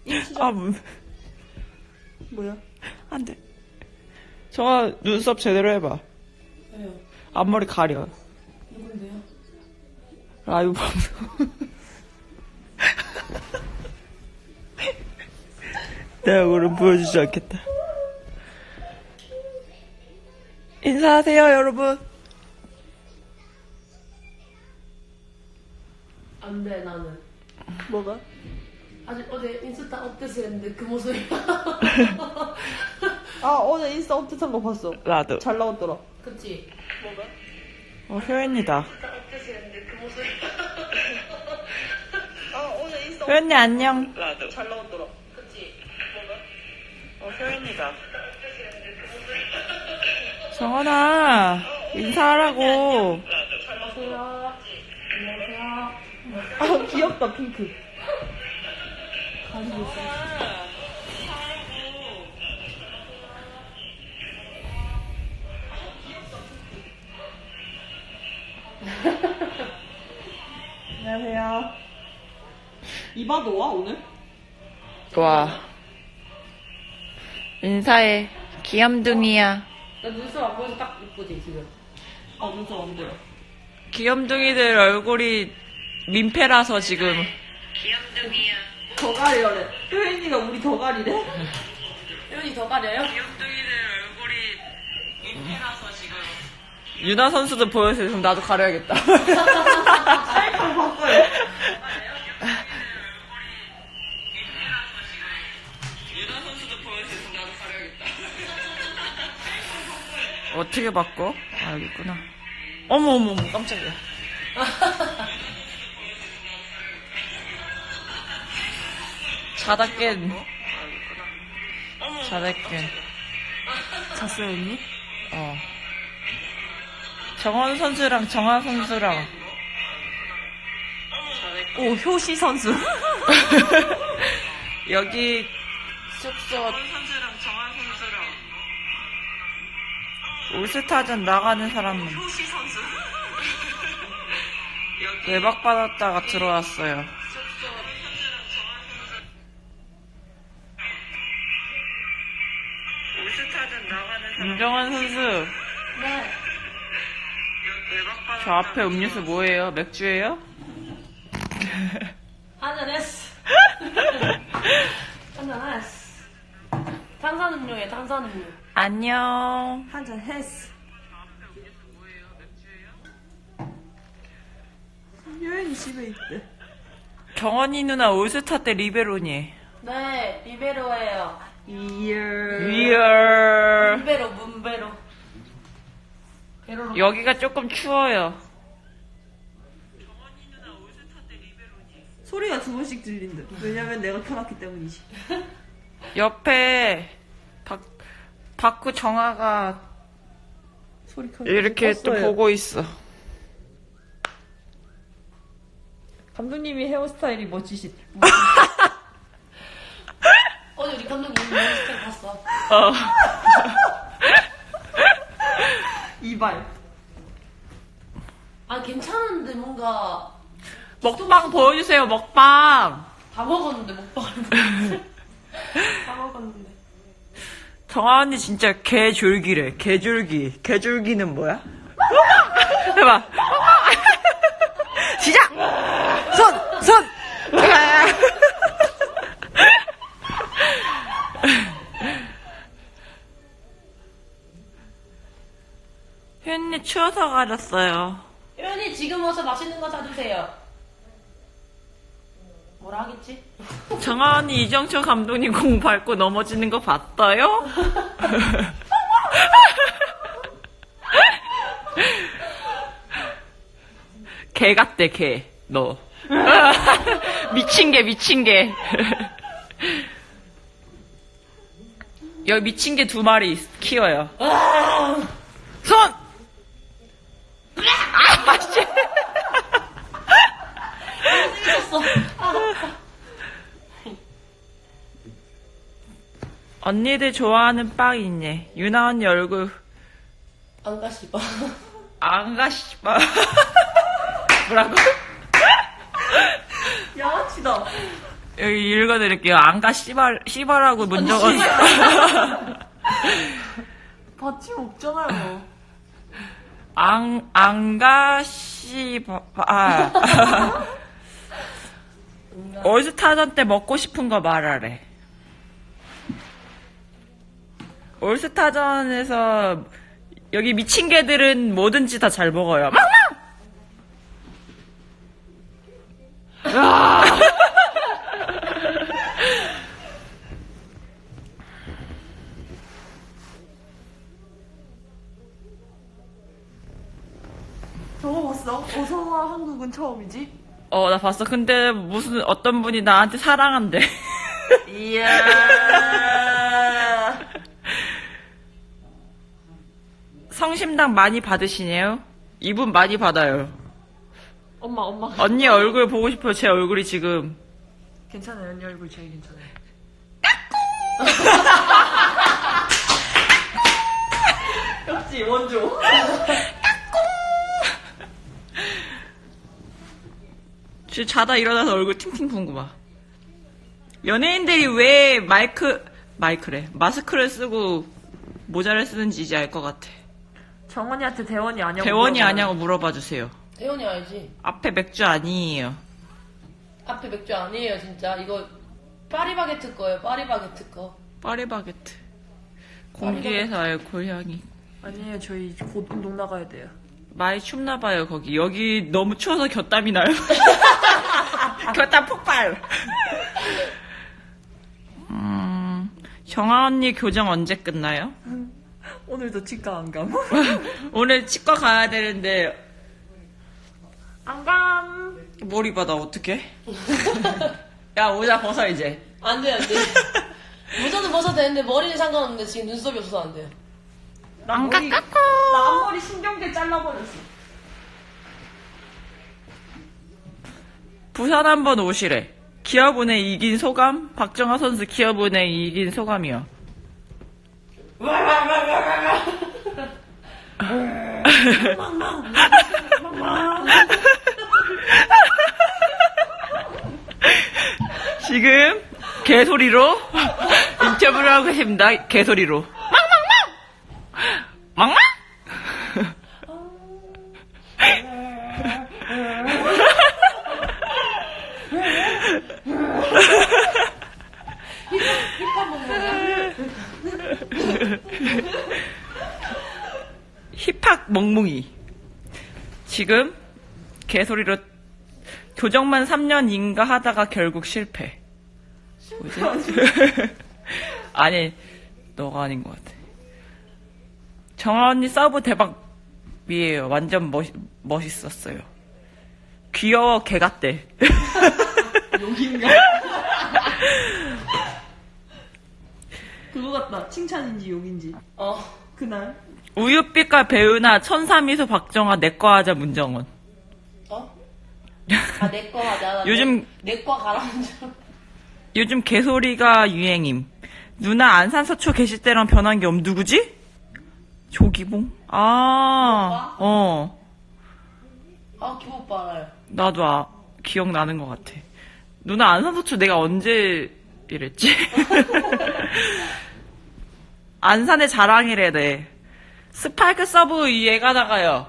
아, 뭐야? 안 돼. 정아, 눈썹 제대로 해봐. 왜요? 앞머리 가려. 누군데요? 라이브 방송. 내 얼굴은 보여주지 않겠다. 인사하세요, 여러분. 안 돼, 나는. 뭐가? 아직 어제 인스타 업데이트 했는데 그 모습이야. 아, 어제 인스타 업데이트한 거 봤어. 나도. 잘 나왔더라. 그치? 뭐가? 효연이다. 인스타 업데이트 했는데 그 모습이야. 아, 어제 인스타 효연이 안녕. 나도. 잘 나왔더라. 그치? 효연이다. 정원아, 인사하라고. 안녕하세요. 안녕하세요. 아, 귀엽다, 핑크. 가지고 있어. 안녕하세요. 이바도 와, 오늘? 와. 인사해. 귀염둥이야. 나 눈썹 안 보여서 딱 이쁘지, 지금? 아, 눈썹 안 보여. 귀염둥이들 얼굴이 민폐라서 지금. 더 가리래. 효연이가 우리 더 가리래. 효연이 더 가려요? 귀염둥이들 얼굴이 민폐라서 지금. 유나 선수도 보여주세요. 그럼 나도 가려야겠다. 셀카 바꿔요. 유나 선수도 보여주세요. 그럼 나도 가려야겠다. 어떻게 바꿔? 아, 여기 있구나. 어머, 깜짝이야. 자다 깬. 자다 깬. 잤어요, 언니? 어. 정원 선수랑 정하 선수랑. 오, 효시 선수. 여기 숙소. 정원 선수랑 정하 선수랑. 올스타전 나가는 사람은 효시 선수. 외박 받았다가 들어왔어요. 올스타전 나가는 사람. 윤정원 선수. 네. 저 앞에 음료수 뭐예요? 맥주예요? 한잔했어. 한잔했어. 탄산음료에 탄산음료. 안녕. 한잔 했어. 효연이 집에 있대. 정원이 누나 올스타 때 리베로니. 네, 리베로예요. 리얼. 문베로. 베로로. 여기가 조금 추워요. 소리가 두 번씩 들린대. 왜냐면 내가 켜놨기 때문이지. 옆에 박구 정아가 소리 켜. 이렇게 또 껐어요. 보고 있어. 감독님이 헤어스타일이 멋지시. 어제 우리 감독님 몬스터 봤어. 어. 이발. 아, 괜찮은데 뭔가 먹방 보여주세요. 먹방. 다 먹었는데 먹방을 보여주세요. 다 먹었는데. 정아 언니 진짜 개줄기래. 개줄기. 개줄기는 뭐야? 해봐. 시작. 손. 현니 추워서 가렸어요. 효연이 지금 와서 맛있는 거 사주세요. 뭐라 하겠지? 정아 언니 이정철 감독님 공 밟고 넘어지는 거 봤어요? 개 같대 개. 너. 미친 개. 여기 미친 개 2마리 키워요. 손! 아, 씨. 생겼어. 언니들 좋아하는 빵 있네. 유나 언니 얼굴 안 가시봐. 안 가시봐. 뭐라고? 양아치다. 여기 읽어드릴게요. 안가 씨발하고 문정원. 받침 없잖아요. 안가 씨발. 올스타전 때 먹고 싶은 거 말하래. 올스타전에서 여기 미친 개들은 뭐든지 다 잘 먹어요. 막! 아! 저거 봤어? 어서와 한국은 처음이지? 나 봤어. 근데 무슨 어떤 분이 나한테 사랑한대. 이야. 성심당 많이 받으시네요? 이분 많이 받아요. 엄마. 언니 얼굴 보고 싶어요. 제 얼굴이 지금. 괜찮아요. 언니 얼굴 제일 괜찮아요. 역시 원조. 지금 자다 일어나서 얼굴 팅팅 부은 연예인들이 왜 마스크를 쓰고 모자를 쓰는지 이제 알 것 같아. 정원이한테 대원이 아냐고. 대원이 물어봐요. 아냐고 물어봐 주세요. 대원이 알지? 앞에 맥주 아니에요. 앞에 맥주 아니에요, 진짜. 이거 파리바게트 거예요, 파리바게트 거. 파리바게트. 공기에서 알코올 향이. 아니에요. 저희 곧 운동 나가야 돼요. 많이 춥나봐요, 거기. 여기 너무 추워서 곁땀이 나요. 곁땀 폭발! 정아 언니 교정 언제 끝나요? 오늘도 치과 안 감. 오늘 치과 가야 되는데, 안 감. 머리 받아, 어떡해? 야, 모자 벗어, 이제. 안 돼, 안 돼. 모자는 벗어도 되는데 머리는 상관없는데 지금 눈썹이 없어서 안 돼요. 나 앞머리 신경제 잘라버렸어. 부산 한번 오시래. 기아분에 이긴 소감? 박정아 선수 기아분에 이긴 소감이요. 지금 개소리로 인터뷰를 하고 계십니다. 개소리로. 망망! 힙합 먹는 힙합 멍뭉이. 지금 개소리로 교정만 3년인가 하다가 결국 실패. 뭐지? 아니, 너가 아닌 것 같아. 정아 언니 서브 대박이에요. 완전 멋있었어요. 귀여워, 개 같대. 욕인가? 그거 같다. 칭찬인지 욕인지. 그날. 우유빛과 배우나 천사미소 박정아 내과 하자 문정원. 내거 하자. 나 요즘- 내과 가라는 줄. 요즘 개소리가 유행임. 누나 안산서초 계실 때랑 변한 게 누구지? 조기봉? 오빠? 기분 오빠 알아요. 나도 기억나는 것 같아. 누나 안산서초 내가 언제 이랬지? 안산의 자랑이래, 네. 스파이크 서브 얘가 나가요.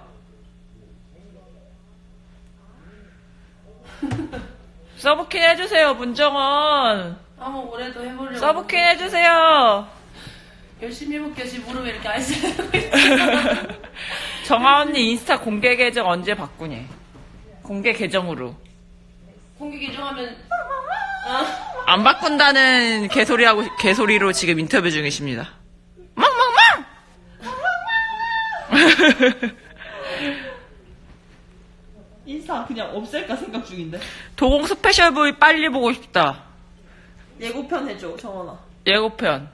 서브킨 해주세요, 문정원. 한번 올해도 해보려고. 서브킨 해주세요. 열심히 해볼게요. 지금 무릎에 이렇게 아이스 하고 정아 언니 인스타 공개 계정 언제 바꾸니? 공개 계정으로. 공개 개정하면 안 바꾼다는 개소리로 지금 인터뷰 중이십니다. 멍멍멍! 인스타 그냥 없앨까 생각 중인데. 도공 스페셜 부위 빨리 보고 싶다. 예고편 해줘, 정원아. 예고편.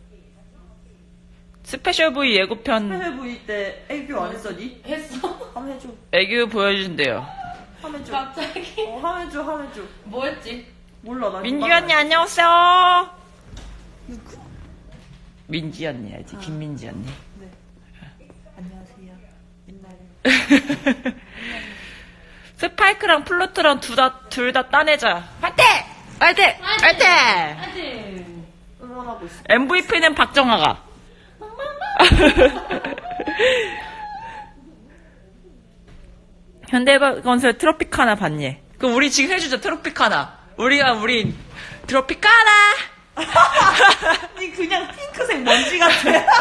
스페셜 부위 예고편 스페셜 부위 때 애교 안 했었니? 했어. 한번 해줘. 애교 보여준대요. 한번 해줘. 갑자기 한번 해줘, 한번 해줘. 뭐 했지? 몰라, 나 민지 이거 언니 안녕하세요. 누구? 민지 언니 알지? 김민지 언니. 네. 안녕하세요. 옛날에. 스파이크랑 플루트랑 둘 다 따내자. 화이팅! 화이팅! 화이팅! 화이팅! 응원하고 있어. MVP는 박정아가. 현대건설 트로피카나 봤니? 그럼 우리 지금 해주자, 트로피카나. 우리 트로피카나! 아니 그냥 핑크색 먼지 같아.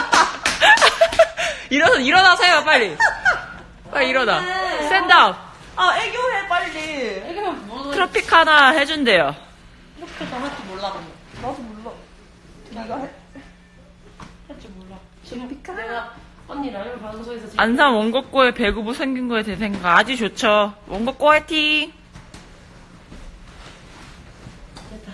일어나세요, 빨리. 빨리 일어나. 스탠드업. 아 애교해 빨리. 이거 뭐, 트로피카나 해준대요. 이렇게 다 할 줄 몰라, 근데. 나도 몰라. 네가 해. 할 줄 몰라. 지금 내가 언니 라면 방송에서 지금 안산 원곡고의 배구부 생긴 거에 대해 생각 아주 좋죠. 원곡고 화이팅! 됐다.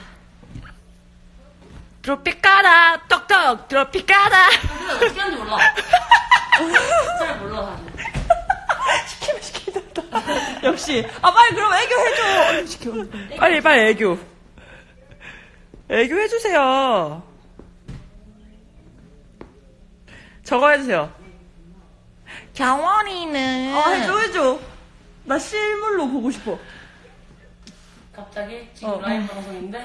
트로피카나! 떡떡! 트로피카나! 근데 어떻게 하는지 몰라. 잘 몰라, 사실. 시키면 시키겠다. 역시. 아 빨리 그럼 애교 해줘. 얼른 시켜. 빨리 애교. 애교 해주세요. 저거 해주세요. 경원이는 아 해줘. 나 실물로 보고 싶어. 갑자기 지금 라이브 방송인데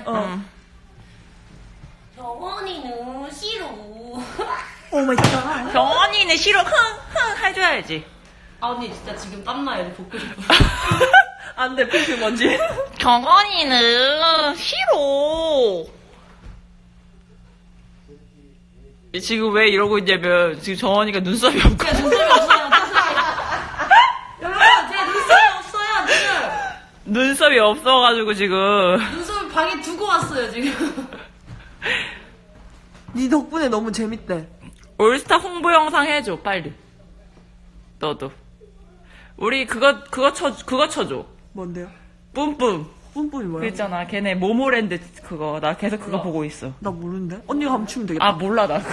경원이는 싫어. 오 마이 갓. 경원이는 싫어. 흥 해줘야지. 아 언니 진짜 지금 땀나요. 벗고 싶어. 안돼 핑크 먼지. 경원이는 싫어. 지금 왜 이러고 있냐면 지금 정원이가 눈썹이 없고 눈썹이 없어요. 여러분 제 눈썹이 없어요 지금. 눈썹이 없어가지고 지금 눈썹을 방에 두고 왔어요 지금. 네 덕분에 너무 재밌대. 올스타 홍보 영상 해줘 빨리. 너도 우리 그거 쳐줘. 뭔데요? 뿜뿜. 뿜뿜이 뭐야? 그 있잖아 걔네 모모랜드 그거 나 계속 그거 보고 있어. 나 모르는데? 언니가 한번 추면 되겠다. 아 몰라 나.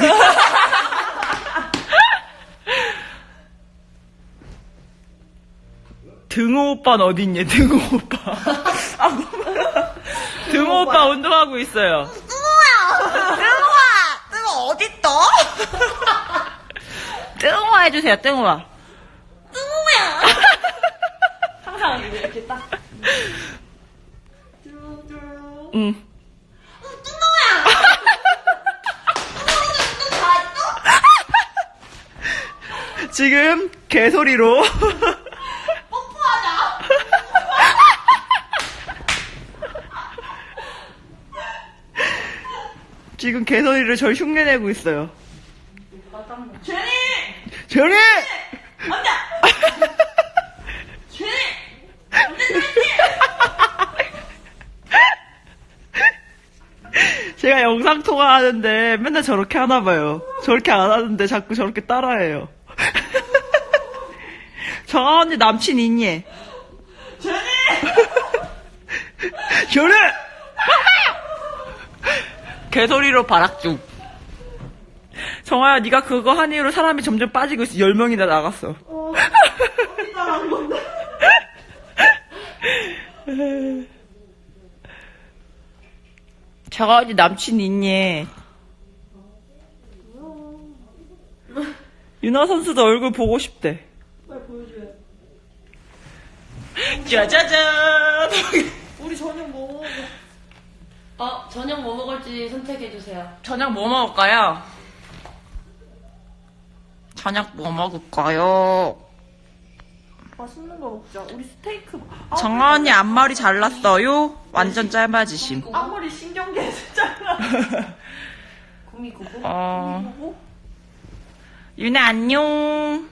등호 오빠는 어딨냐 등호 오빠. 등호 오빠 운동하고 있어요. 뜨거 어딨어? 뜬호아 해주세요 뜬호아. 항상 이렇게 딱. 응. 지금 개소리로 지금 개소리를 절 흉내내고 있어요. 제니! 제니! 언니! 제니! 제가 영상 통화하는데 맨날 저렇게 하나 봐요. 저렇게 안 하는데 자꾸 저렇게 따라해요. 정아 언니 남친 있니? 제니! 제니! 개소리로 바락중. 정아야 네가 그거 한 이후로 사람이 점점 빠지고 있어. 10명이나 나갔어. 언니 따라한 건데. 정아 언니 남친 있니? 윤아 선수도 얼굴 보고 싶대. 빨리 보여줘요. 짜자잔. 우리 저녁 뭐 먹어? 저녁 뭐 먹을지 선택해주세요. 저녁 뭐 먹을까요? 저녁 뭐 먹을까요? 맛있는 거 먹자. 우리 스테이크. 정아 언니 앞머리 잘랐어요? 완전 짧아지심. 앞머리 신경계 했잖아. 구미구구? 보고? 윤아 안녕.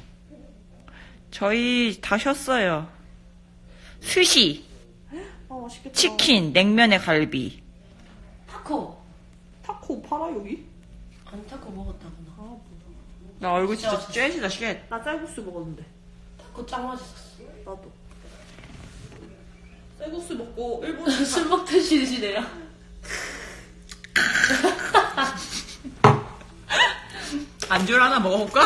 저희 다 쉬었어요. 스시, 아 맛있겠다. 치킨, 냉면에 갈비. 타코. 타코 팔아 여기? 아니 타코 먹었다구나. 나 얼굴 진짜 쬐시다 쉣. 나 쌀국수 먹었는데. 타코 짱 맛있었어. 나도. 쌀국수 먹고 일본 술 먹듯이 드시네요. 안주를 하나 먹어볼까?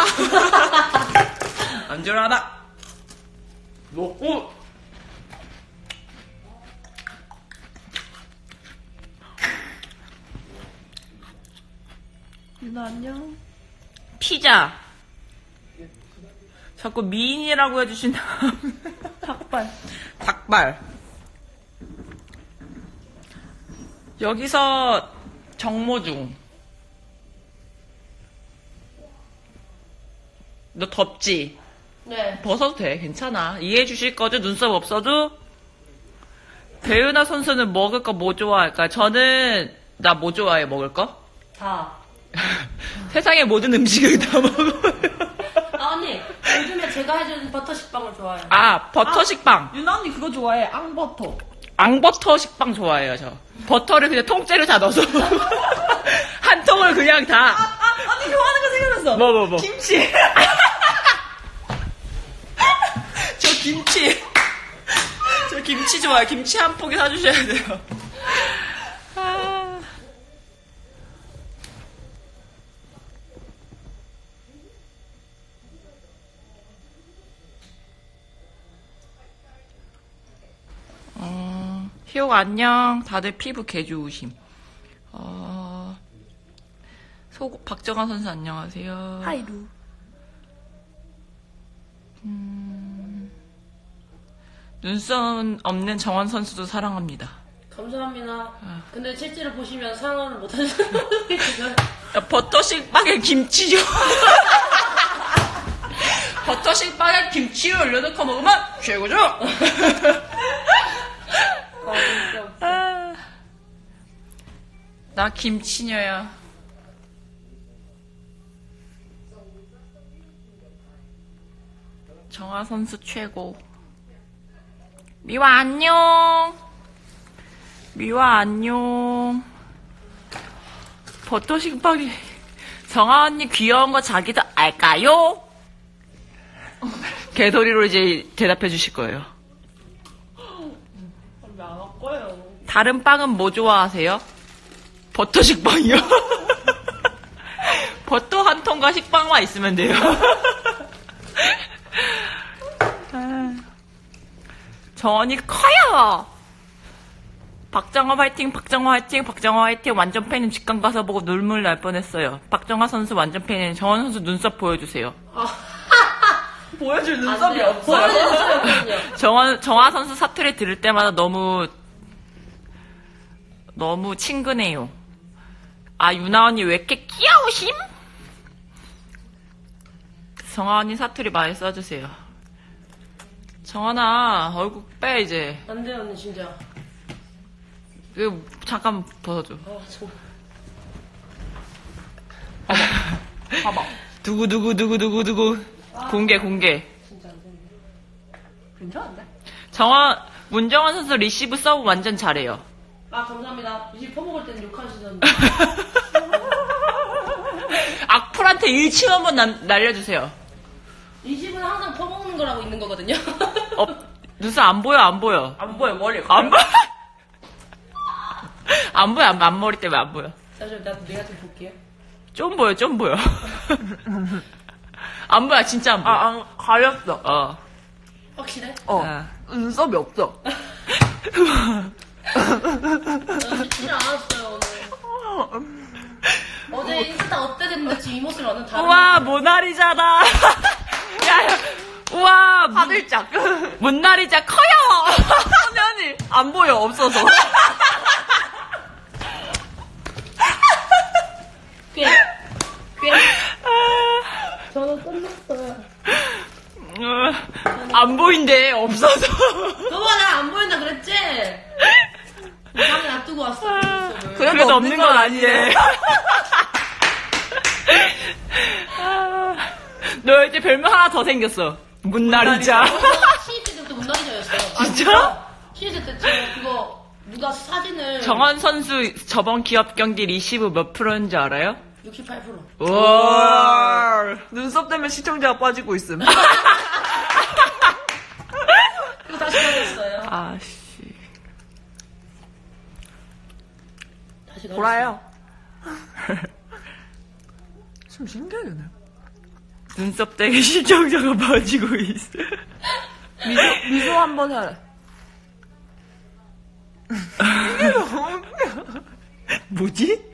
안주를 하나 먹고. 유나 안녕. 피자. 자꾸 미인이라고 해주신 닭발. 닭발. 여기서 정모중. 너 덥지? 네. 벗어도 돼. 괜찮아. 이해해 주실 거죠? 눈썹 없어도? 배은하 선수는 먹을 거 뭐 좋아할까? 저는, 나 뭐 좋아해, 먹을 거? 다. 세상의 모든 음식을 다 먹어요. 아, 언니. 요즘에 제가 해주는 버터 식빵을 좋아해요. 아, 버터 식빵. 유나 언니 그거 좋아해. 앙버터. 앙버터 식빵 좋아해요, 저. 버터를 그냥 통째로 다 넣어서. 한 통을 그냥 다. 언니 좋아하는 거 생각났어. 뭐. 김치. 저 김치. 저 김치 좋아요. 김치 한 포기 사주셔야 돼요. 아. 희옥 안녕. 다들 피부 개 좋으심. 박정환 선수 안녕하세요. 하이루. 눈썹 없는 정원 선수도 사랑합니다. 감사합니다. 근데 실제로 보시면 상황을 못하시는 분이 지금. 버터 식빵에 김치요. 버터 식빵에 김치 올려놓고 먹으면 최고죠. 진짜 웃겨. 나 김치녀야. 정아 선수 최고. 미화 안녕. 미화 안녕. 버터 식빵이 정아 언니 귀여운 거 자기도 알까요? 개소리로 이제 대답해 주실 거예요. 왜 안 할 거예요? 다른 빵은 뭐 좋아하세요? 버터 식빵이요. 버터 한 통과 식빵만 있으면 돼요. 정원이 커요. 박정화 화이팅, 박정화 화이팅, 박정화 화이팅. 완전 팬은 직관 가서 보고 눈물 날 뻔했어요. 박정화 선수 완전 팬인 정원 선수 눈썹 보여주세요. 보여줄 안 눈썹이 돼요. 없어요. 보여주세요. 정화 선수 사투리 들을 때마다 너무 친근해요. 아, 유나 언니 왜 이렇게 귀여우심? 정아 언니 사투리 많이 써주세요. 정환아, 얼굴 빼, 이제. 안 돼요, 언니, 진짜. 이거 잠깐 벗어줘. 정말. 봐봐. 두구. 공개. 진짜 안 되네. 괜찮은데? 문정환 선수 리시브 서브 완전 잘해요. 아, 감사합니다. 이제 퍼먹을 때는 욕하시던데. 악플한테 1층 한번 날려주세요. 이 집은 항상 퍼먹는 거라고 있는 거거든요. 눈썹 안 보여. 안 보여, 머리. 안 보여. 안 보여, 앞머리 때문에 안 보여. 잠시만, 내가 좀 볼게요. 좀 보여. 안 보여, 진짜 안 보여. 가렸어. 확실해? 눈썹이 없어. 쉽지 않았어요, 오늘. 어제 인스타 업데이트했는데 지금 이 모습이 완전 다른. 우와, 모나리자다. 야, 우와, 하늘짝. 모나리자 커요. 화면이 안 보여, 없어서. 꽤. 저는 끝났어요. 안 보인대, 없어서. 너가 나 안 보인다 그랬지? 방에 놔두고 왔어. 그 모습을. 그래도 없는 건 아니래. 너 이제 별명 하나 더 생겼어. 문나리자. 신입생 때부터 문나리자였어요. 진짜? 신입생 때 제가 그거 누가 사진을 정원 선수 저번 기업 경기 리시브 몇 프로인지 알아요? 68%. 우와. 눈썹 때문에 시청자가 빠지고 있음. 그리고 다시 가졌어요. 아씨. 다시 가졌어요. 보라요. 좀 신기하네. 눈썹 때문에 시청자가 빠지고 있어. 미소 한번 해라. 이게 너무 웃겨. 뭐지?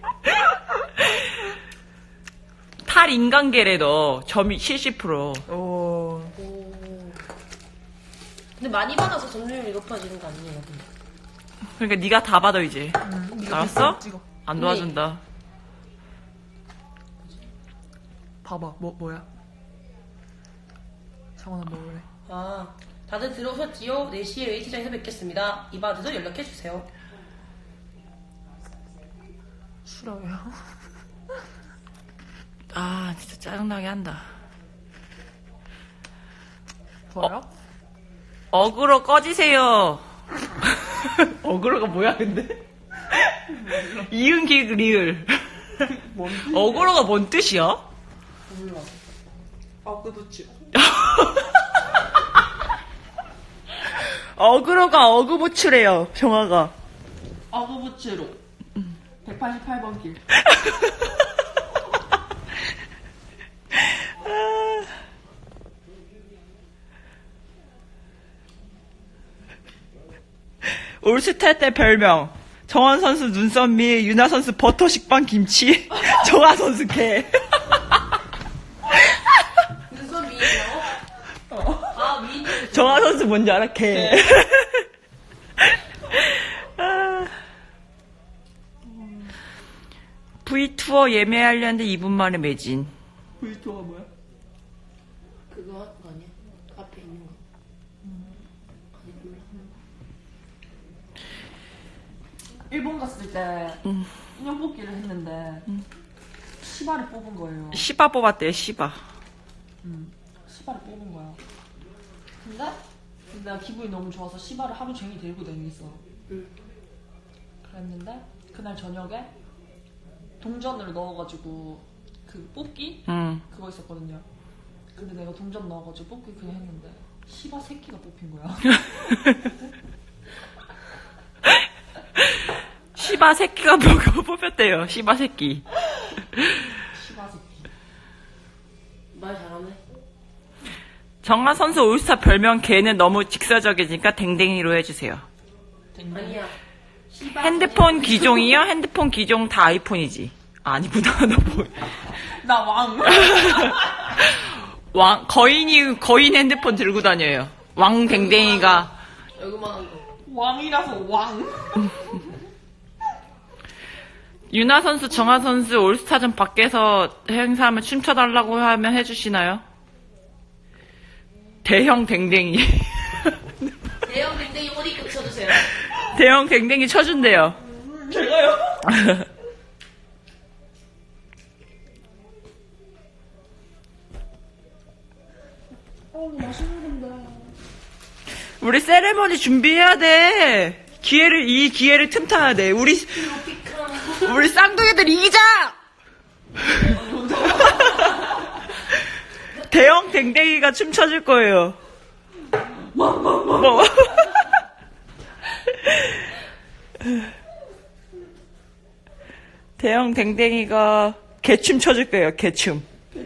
탈 인간계래 너 점이 70%. 오. 오. 근데 많이 받아서 점유율이 높아지는 거 아니에요, 근데? 그러니까 네가 다 받아 이제. 네가 알았어? 찍어. 안 도와준다. 봐봐, 뭐야? 정원아, 뭐래? 아, 다들 들어오셨지요? 4시에 웨이트장에서 뵙겠습니다. 이바드도 연락해주세요. 싫어요. 아 진짜 짜증나게 한다. 뭐야? 어그로 꺼지세요. 어그로가 뭐야 근데? 이응 기응 리을. 어그로가 뭔 뜻이야? 몰라. 아, 그렇지. 어그로가 어그부츠래요 정화가. 아구부츠로 188번 길. 올스타 때 별명 정원 선수 눈썹 미, 유나 선수 버터 식빵 김치, 정화 선수 개. 눈썹 미인이라고? 아, 미인. 정화 선수 뭔지 알아? 개. V 투어 예매하려는데 2분 만에 매진. V2가 뭐야? 그거 아니야? 앞에 있는 거. 아니, 몰라. 일본 갔을 때 인형 뽑기를 했는데 시바를 뽑은 거예요. 시바 뽑았대요 시바. 시바를 뽑은 거야. 근데 내가 기분이 너무 좋아서 시바를 하루 종일 들고 다녔어. 그랬는데 그날 저녁에 동전을 넣어가지고 그 뽑기 그거 있었거든요. 근데 내가 동전 넣어가지고 뽑기 그냥 했는데 시바 새끼가 뽑힌 거야. 시바 새끼가 뭐가 뽑혔대요 시바 새끼. 시바 새끼. 말 잘하네. 정하 선수 올스타 별명 개는 너무 직설적이니까 댕댕이로 해주세요. 아니야. 시바 핸드폰 기종이요? 핸드폰 기종 다 아이폰이지. 아, 아니구나. 너 뭐야. 나 왕. 거인 핸드폰 들고 다녀요. 왕댕댕이가. 여기만한 거. 왕이라서 왕. 유나 선수, 정하 선수 올스타전 밖에서 행사하면 춤춰달라고 하면 해주시나요? 대형 댕댕이. 대형 댕댕이 어디 꽂혀주세요. 대형 댕댕이 쳐준대요. 제가요? 우리 세레머니 준비해야 돼. 이 기회를 틈타야 돼. 우리 쌍둥이들 이기자! 대형 댕댕이가 춤춰줄 거예요. 뭐. 대형 댕댕이가 개춤 춰줄 거예요, 개춤.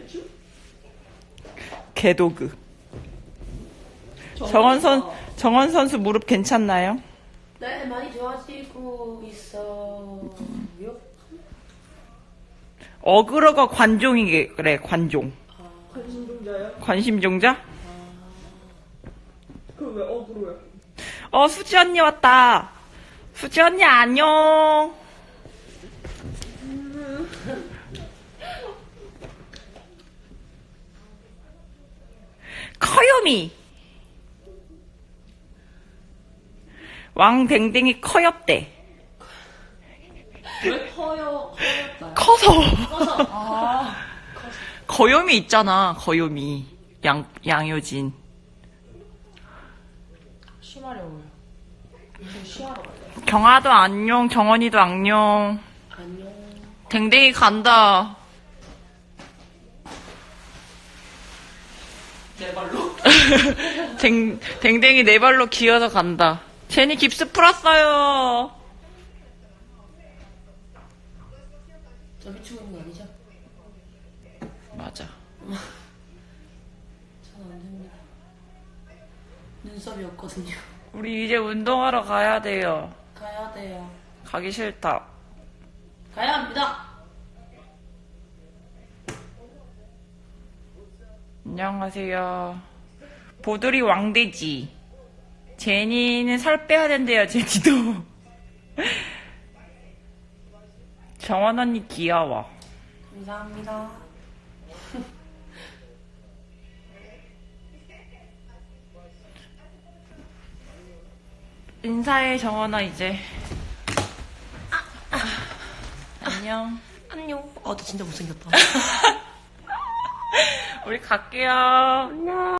개도그. 정원 선수 무릎 괜찮나요? 네, 많이 좋아지고 있어요. 어그로가 그래, 관종. 관심종자요? 관심종자? 그럼 왜 어그로야? 수지 언니 왔다. 수지 언니 안녕. 커요미. 왕댕댕이 커엽대. 왜 커였다? 커서. 아, 거요미 있잖아, 거요미. 양효진. 쉬마려워요. 이제 쉬하러 가요. 경아도 안녕, 정원이도 안녕. 안녕. 댕댕이 간다. 내 발로? 댕댕이 네 발로 기어서 간다. 제니 깁스 풀었어요. 저 미치고 있는 거 아니죠? 맞아. 저는 안 됩니다. 눈썹이 없거든요. 우리 이제 운동하러 가야 돼요. 가야 돼요. 가기 싫다. 가야 합니다. 안녕하세요. 보들이 왕돼지. 제니는 살 빼야 된대요, 제니도. 정원 언니 귀여워. 감사합니다. 인사해, 정원아, 이제. 안녕. 안녕. 너 진짜 못생겼다. 우리 갈게요. 안녕.